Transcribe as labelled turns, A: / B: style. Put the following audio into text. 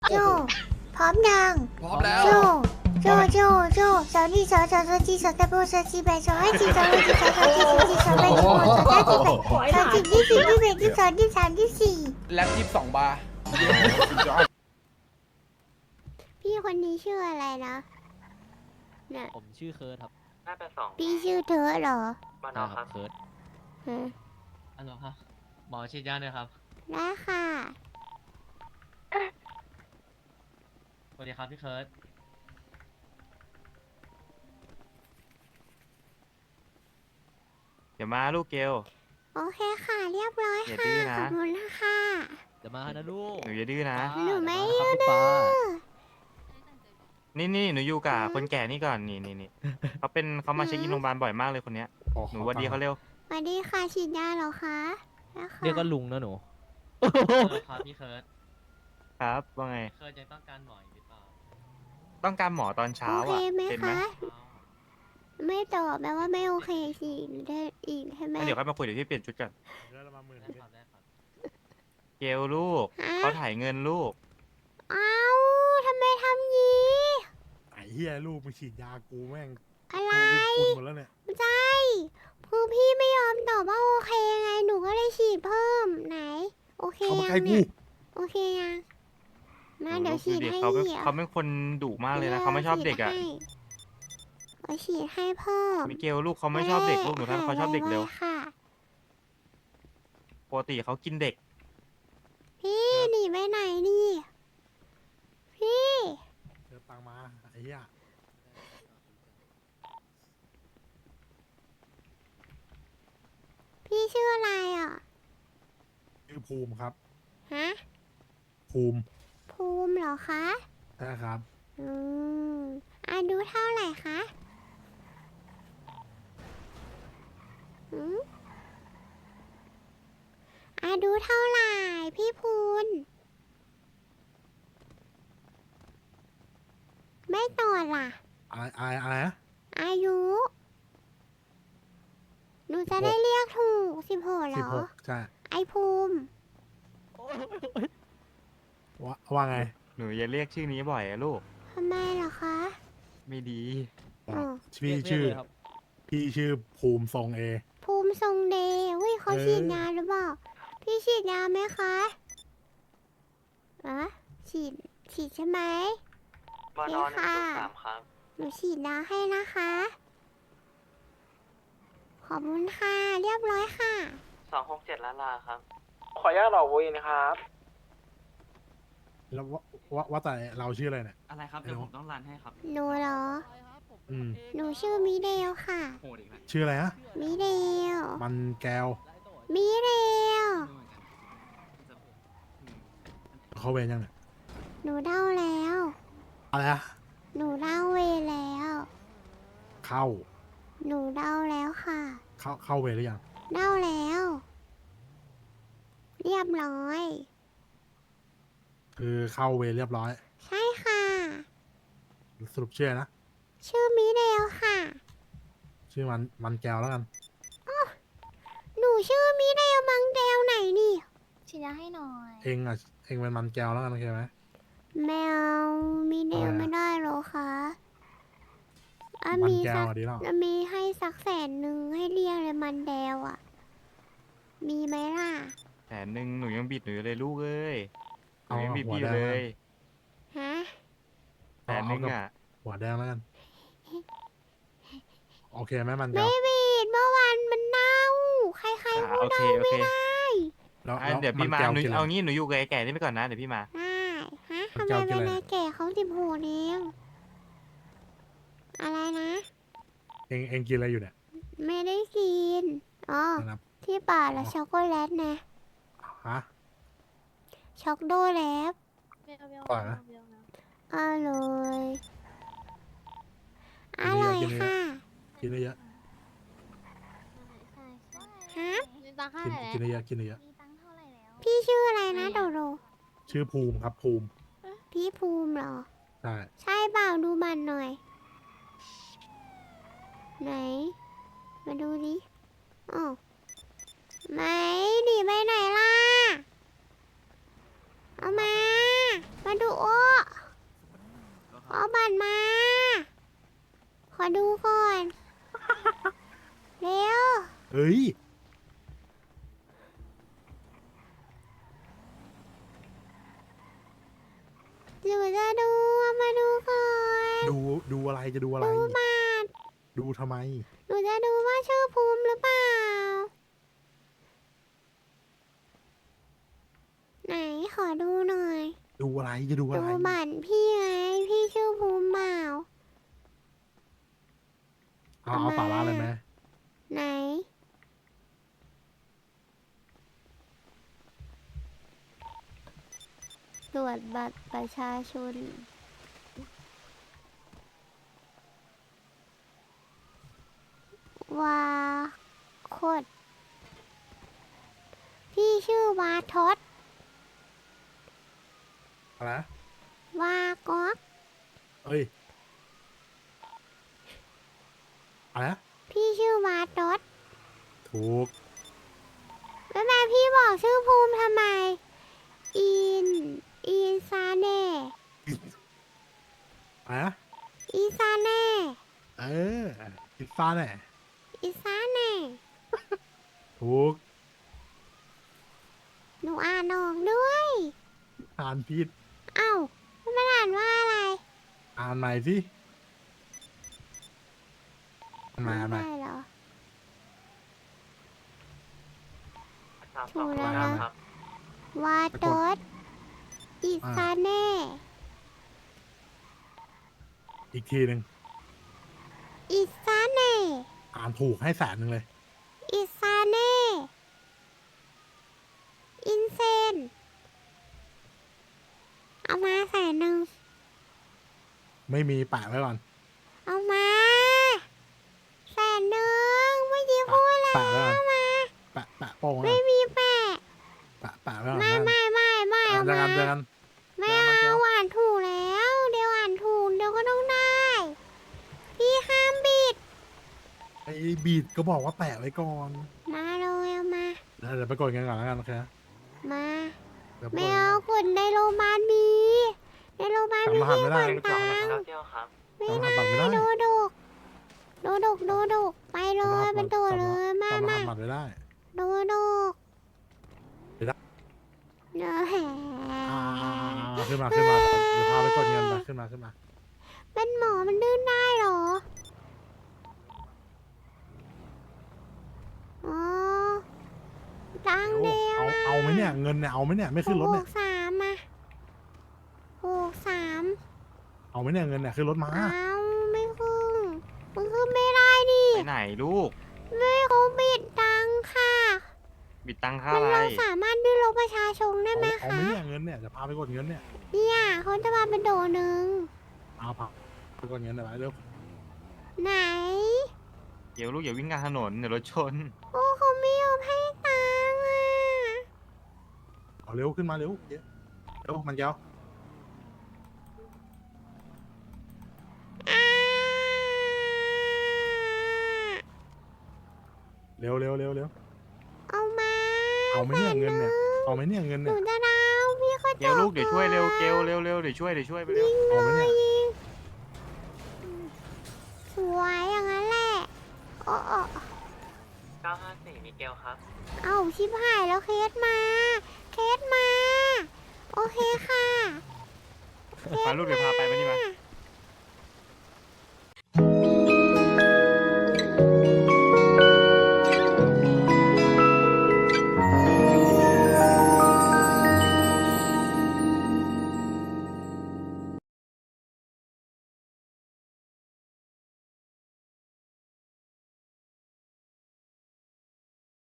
A: โจพร้อมยัง
B: พร้อมแล้ว
A: โจสาวนี่สาวจีสาวตะโบสาวจีแบสาวให้จีสาวให้จีสาวจีสาวจีสาวแบสาวสาวจีแบสาวจีที่สี่ที่แบที่สองที่สามที่สี่
B: แล็บ22 บาร์
A: พี่คนนี้ชื่ออะไรนะเนี่ย
C: ผมชื่อเคิร์ดครับ
D: 582
A: พี่ชื่อเธอเหรอ
D: มานอครับ
C: เคิร์ด
A: ฮะ
C: อันหรอครับหมอฉีดยาด้วยครับ
A: ได้ค่ะ
C: สวัสดีครับพี่เคิร์ด
E: เดี๋ยวมาลูกเกล
A: โอเคค่ะเรียบร้อย
E: อย่า
A: ค่ะ
E: ดื้อนะ
A: ขอบคุณค่ะ
C: เดี๋ยวมานะลูก
E: หนูอย่าดื้อนะ
A: หนูไม่
C: เดี๋ยวานะครับพี่ฟ้า
E: นี่หนูอยู่กับคนแก่นี่ก่อนนี่เขามาเช็คอินโรงพยาบาลบ่อยมากเลยคนเนี้ยหนูหวัดดีเขาเร็ว
A: สวัสดีค่ะฉีดยาเหรอคะได้ค่ะ
C: เรียกก็ลุงนะหนูครับพี่เคิร์ด
E: ครับว่าไง
C: เคิร์ดยังต้องการหมออีกหรือเปล่า
E: ต้องการหมอตอนเช้า
A: โอเค
E: อ่ะ
A: ไหม
E: เป็นไหม
A: คะ ไม่ตอบแปลว่าไม่โอเคสิได้อีกใช่ไหม
E: งั้นเดี๋ยวค่อยมาคุยเดี๋ยวพี่เปลี่ยนชุดก่อน
C: ได้ครับได้ครับ
E: เกลลูกเขาถ่ายเงินลูก
A: เอ้าทำไมทำงี้
F: ไอ้เหี้ยลูกมาฉีดยากูแม่ง
A: อะไร
F: กูคุณหมดแล้วเนี่ย
A: ใช่คือพี่ไม่ยอมตอบว่าโอเคไงหนูก็เลยฉีดเพิ่มไหน โอเค
F: เขามา
A: ยั
F: ใกล้
A: ง
F: กู
A: เนี่ยโอเคยังมาเดี๋ยวฉีด
E: ดู
A: ให้
E: เขาเป็น
A: เหี่ยว
E: เขาเป็นคนดุมากเลยนะเขาไม่ชอบเด็กอ่ะ
A: เอาฉีดให้เพิ่ม
E: มิเกลลูกเขาไม่ชอบเด็กลูกหนูท่านเขาชอบเด็กเร็ว
A: ไค่ะ
E: ปกติเขากินเด็ก
A: พี่หนีไปไหนนี่พี่
F: เจอตังมาไอ้เหี้ย
A: พี่ชื่ออะไรอ่ะ
F: ชื่อภูมิครับ
A: ฮะ
F: ภูมิ
A: ภูมิเหรอคะ
F: ใช่ครับ
A: อืมอายุเท่าไหร่คะอืมอายุเท่าไหร่พี่พูนไม่ตอบล่ะ
F: อะไรนะ
A: อายุ หนูจะได้เรียกถูก16เหรอ
F: 16ใช่
A: ไอภูมิ
F: ว่าไง
E: หนูอย่าเรียกชื่อนี้บ่อยอะลูก
A: ทำไมเหรอคะ
E: ไม่ดี
A: อ๋อ
F: พี่
C: เรียก
F: ชื่อ
C: เลยครับ
F: พี่ชื่อภูมิทรงเอ
A: ภูมิทรงเดย์เฮ้ยเขา
F: เออ
A: ฉีดยาหรือเปล่า พี่ฉีดยาไหมคะอะฉีดใช่ไหม
D: มานอน
A: ค่ะ
D: 103ครับ
A: หนูฉีดยาให้นะคะ ขอบคุณค่ะ เรียบร้อยค่ะ
D: 267ล้านลาครับ ขออนุญาตหล่อวุ้ยนะครับ
F: แล้วว่าแต่เราชื่ออะไรเนี่ย
G: อะไรครับ เดี๋ยวผมต้องรันให้ครับ
A: หนูเหรอ
F: อืม
A: หนูชื่อมิเดลค่ะ
G: โหดอีกแล้ว
F: ชื่ออะไรฮะ
A: มิเดล
F: มันแก้ว
A: มิเดล
G: ไม่เหมือนกันจะอืม
F: เขาเวรยังเนี่ย
A: หนูเด้าแล้ว
F: อะไรนะ
A: หนูเด้าเวรแล้ว
F: เข้า
A: หนูเด้าแล้วค่ะ
F: เข้าเวรหรือยัง
A: เด้าแล้ว เรียบร้อย
F: คือเข้าเวรเรียบร้อย
A: ใช่ค่ะ
F: สรุปชื่ออะไรนะ
A: ชื่อมิเดลค่ะ
F: ชื่อมันแก้วแล้วกัน
A: หนูชื่อมิเดลมังเดลไหนนี่
H: ฉีดยาให้หน่อย
F: เองเป็นมันแก้วแล้วกันโอเคไหม
A: แมวมิเดล
F: อะไรอะ
A: ไม่ได้หรอคะอ่ะ
F: มัน
A: มี
F: แก้
A: สั
F: ว
A: ก
F: อะดีแล้ว
A: มีให้สัก100,000ให้เรียกเลยมันเดลอ่ะ มีไหมล่ะ
E: 100,000หนูยังบิดหนูอยู่เลยลูกเอ้ยหนู
F: เอา
E: ยังบิด
F: หัว
E: พี่อ
F: แด
E: ยู่
F: ง
E: เล
F: แล้ว
E: ย
A: ฮะ
E: 100,000อ่ะ
F: หัวแดงแล้วกัน โอเคไหมมันแก้
A: ไม่
F: ว
A: บีดเมื่อวานมันเน่า ใครๆพูด
E: โอเค
A: เน่า
E: โอ
A: ไม่
E: เค
A: ได้
F: แล้ว
E: เดี๋ยวพี่มา
F: แก้ว
E: หนู
F: กินอะไร
E: เอางี้หนูอยู่กับไอ้แก่นี่ไปก่อนนะเดี๋ยวพี่มา
A: ได้ฮะ
F: มัน
A: ทำไม
F: แก้วกิน
A: เป็น
F: อะไร
A: นายแก่เขา16เองอะไรนะ
F: เองกินอะไรอยู่เนี่ย
A: ไม่ได้กิน อ๋อ
F: นะครับ
A: ที่ป่าละ
F: อ๋อ
A: ช็อกโกแลตนะ
F: ฮะ
A: ช็อกโดแลต
H: เบลเบล
F: อร่อยนะ
H: เบลนะ
A: อร่อยอ
F: กินเยอะ
A: ร่อย
F: กินเยอะ
A: ค่ะ
F: กินเยอะ
H: ใช่ใช่
A: ฮะ
H: มีตังค์เท่า
F: กิน
H: ไหร่
F: กิน
H: แล้ว
F: เยอะกินเยอะ
H: มีตังค์เท่าไหร่แล้ว
A: พี่ชื่ออะไรนะโดโด
F: ชื่อภูมิครับภูมิ
A: พี่ภูมิเหรอ
F: ใช่
A: ใช่เปล่าดูมันหน่อย ไหน มาดูดิอ๋อไหนหนีไปไหนล่ะ เอามามาดูโอ้เอาบัตรมา ขอดูก่อน เร็ว
F: เฮ้ย
A: หนูจะดูมาดูก่อน
F: ดูอะไรจะดูอะไร
A: ดูบัตร
F: ดูทำไม
A: หนูจะดูว่าชื่อภูมิหรือเปล่า ไหนขอดูหน่อย
F: ดูอะไรจะดูอะ
A: ดู
F: ไร
A: บัตรพี่ไง พี่ชื่อภูมิเปล่า
F: เอาสาระเลยไหม
A: ไหน ตรวจบัตรประชาชน วาโคดพี่ชื่อวาทศ
F: อะไรนะ
A: วาก๊อก
F: เอ้ยอะไรนะ
A: พี่ชื่อวาทศ
F: ถูก
A: แล้วแม่พี่บอกชื่อภูมิทำไม อินซาเน่
F: อะไรนะ
A: อินซาเน่
F: เออพิซซ่าแน่
A: อินซาเน่
F: ถูก
A: หนูอ่านออกด้วย
F: อ่านผิด
A: เอ้ามันอ่านว่าอะไร
F: อ่านใหม่สิอ่านใหม่อ่านใหม่
A: ได้เหรอ
D: สามสองเก้าครับ
A: วาโตสอิซาเน่
F: อีกทีหนึ่ง
A: อิซาเน่
F: อ่านถูกให้100,000เลย
A: อิซาเน่ อินเซน เอามา100,000
F: ไม่มีแปะไว้ก่อน
A: เอามา100,000เมื่อกี้พูดแล้ว
F: แปะไว้ก่อน
A: เอามา
F: แปะโป้งไว้
A: ไม่
F: ก่อน
A: มีแปะ
F: แปะไว้ก่อน
A: ไม่
F: นะ
A: เอา
F: เจอ
A: มา
F: กันเจอกัน
A: ไม่
F: เจอกันเจอ
A: เอา
F: กัน
A: อ่านถูกแล้ว เดี๋ยวอ่านถูกเดี๋ยวก็ต้องได้ พี่ห้ามบิด
F: ไอ้บีดก็บอกว่าแปะไว้ก่อน
A: มาเลยเอามา
F: เดี๋ยวไปกดเงินก่อนแล้วกันโอเคนะ
A: มา
F: เดี๋ยวไป
A: ไม่
F: กด
A: เอากดในโรงพยาบาลมีในโรงพยาบาลมี
F: จำรหัสไม่ได้
A: ที่กดตังค์
D: เก้าเที่ยวครับ
A: ไม่
F: จำรหั
A: ได้
F: สบัตรไม่ได้
A: ดูดกไปเลยเป็นตัวเลยมา
F: จำร
A: มา
F: หัสบัตรไม่ได้
A: ดูดก
F: ไม่ได้
A: เนอะแห
F: ขึ้นมาเดี๋ยวพาไปกดเงินไปขึ้นมา
A: เป็นหมอมันดื้นได้เหรออ๋อตังเดียว
F: เอาไหมเนี่ยเงินเนี่ยเอาไหมเนี่ยไม่ขึ้นรถเนี่ย
A: 63มา63
F: เอาไหมเนี่ยเงินเนี่ยขึ้นรถมา
A: เอาไม่ขึ้นมันขึ้นไม่ได้ดิ
E: ไปไหนลูก
A: ไม่เขาบิดตังค่ะ
E: บิดตังค่า
A: มัน
E: อะไร
A: เราสามารถดื้อรถประชาชนได้ไหม
F: เอา
A: คะ
F: ไหมเนี่ยเงินเนี่ยจะพาไปกดเงินเนี่ย
A: เนี่ยเขาจะมาเป็นโดหนึ่ง
F: เอาพาไปกดเงินหน่อยไปเร็ว
A: ไหน
E: เดี๋ยวลูกอย่าวิ่งกลางถนนเดี๋ยวรถชน
A: โอ้เขาไม่ยอมให้ตังค์อ่ะ
F: เอาเร็วขึ้นมาเร็วเร็วมันเจ้า
A: อ่า
F: เร็ว
A: เอามา
F: เอาไหมเนี่ยเงินเนี่ยเอาไหมเนี่ยเงิน
A: ห
F: เนี่
A: นู
F: ย
A: จะดาวพี่เขา
E: เกลลูกเดี๋ยวช่วยเร็วเกลเร็วเดี๋ยวช่วยไปเร็ว
F: เอาไหมเนี่ย
A: สวยอย่างนั้นแหละโอ้
D: 954มิเกลครับ
A: เอาชิบหายแล้วเคสมาโอเคค่ะ
E: มาลูกเดี๋ยวพาไปมานี่มา
A: เคส